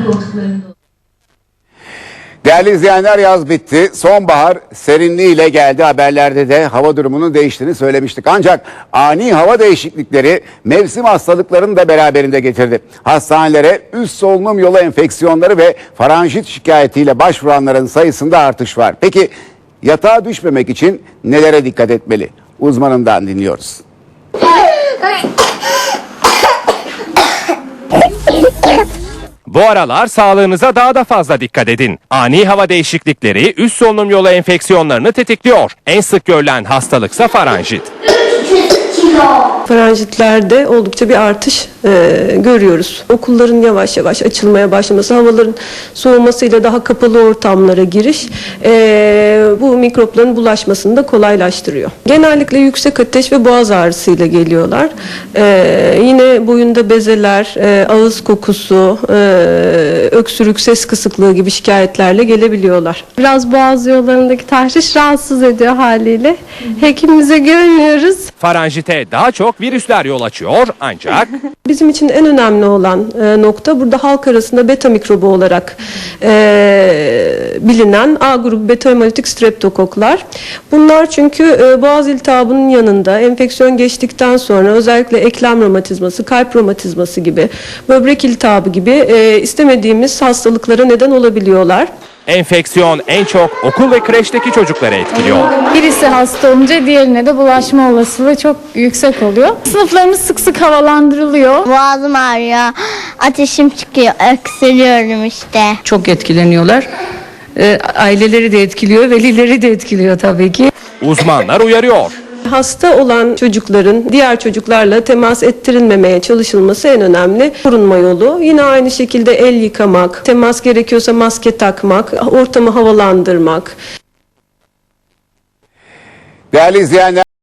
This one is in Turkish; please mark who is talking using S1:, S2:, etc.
S1: koltuklarında.
S2: Değerli izleyenler, yaz bitti. Sonbahar serinliğiyle geldi. Haberlerde de hava durumunun değiştiğini söylemiştik. Ancak ani hava değişiklikleri mevsim hastalıklarını da beraberinde getirdi. Hastanelere üst solunum yolu enfeksiyonları ve faranjit şikayetiyle başvuranların sayısında artış var. Peki yatağa düşmemek için nelere dikkat etmeli? Uzmanından dinliyoruz.
S3: Bu aralar sağlığınıza daha da fazla dikkat edin. Ani hava değişiklikleri üst solunum yolu enfeksiyonlarını tetikliyor. En sık görülen hastalıksa faranjit.
S4: Faranjitlerde oldukça bir artış görüyoruz. Okulların yavaş yavaş açılmaya başlaması, havaların soğumasıyla daha kapalı ortamlara giriş bu mikropların bulaşmasını da kolaylaştırıyor. Genellikle yüksek ateş ve boğaz ağrısıyla geliyorlar. Yine boyunda bezeler, ağız kokusu, öksürük, ses kısıklığı gibi şikayetlerle gelebiliyorlar.
S5: Biraz boğaz yollarındaki tahriş rahatsız ediyor haliyle. Hekimimize görmüyoruz.
S3: Faranjite daha çok virüsler yol açıyor ancak
S4: Bizim için en önemli olan nokta burada halk arasında beta mikrobu olarak bilinen A grubu beta hemolitik streptokoklar. Bunlar çünkü boğaz iltihabının yanında enfeksiyon geçtikten sonra özellikle eklem romatizması, kalp romatizması gibi, böbrek iltihabı gibi istemediğimiz hastalıklara neden olabiliyorlar.
S3: enfeksiyon en çok okul ve kreşteki çocukları etkiliyor.
S5: Birisi hasta olunca diğerine de bulaşma olasılığı çok yüksek oluyor. Sınıflarımız sık sık havalandırılıyor.
S6: Boğazım ağrıyor, ateşim çıkıyor, öksürüyorum işte.
S7: Çok etkileniyorlar. Aileleri de etkiliyor, velileri de etkiliyor tabii ki.
S3: Uzmanlar uyarıyor.
S4: Hasta olan çocukların diğer çocuklarla temas ettirilmemeye çalışılması en önemli korunma yolu. Yine aynı şekilde el yıkamak, temas gerekiyorsa maske takmak, ortamı havalandırmak.
S2: Değerli izleyenler,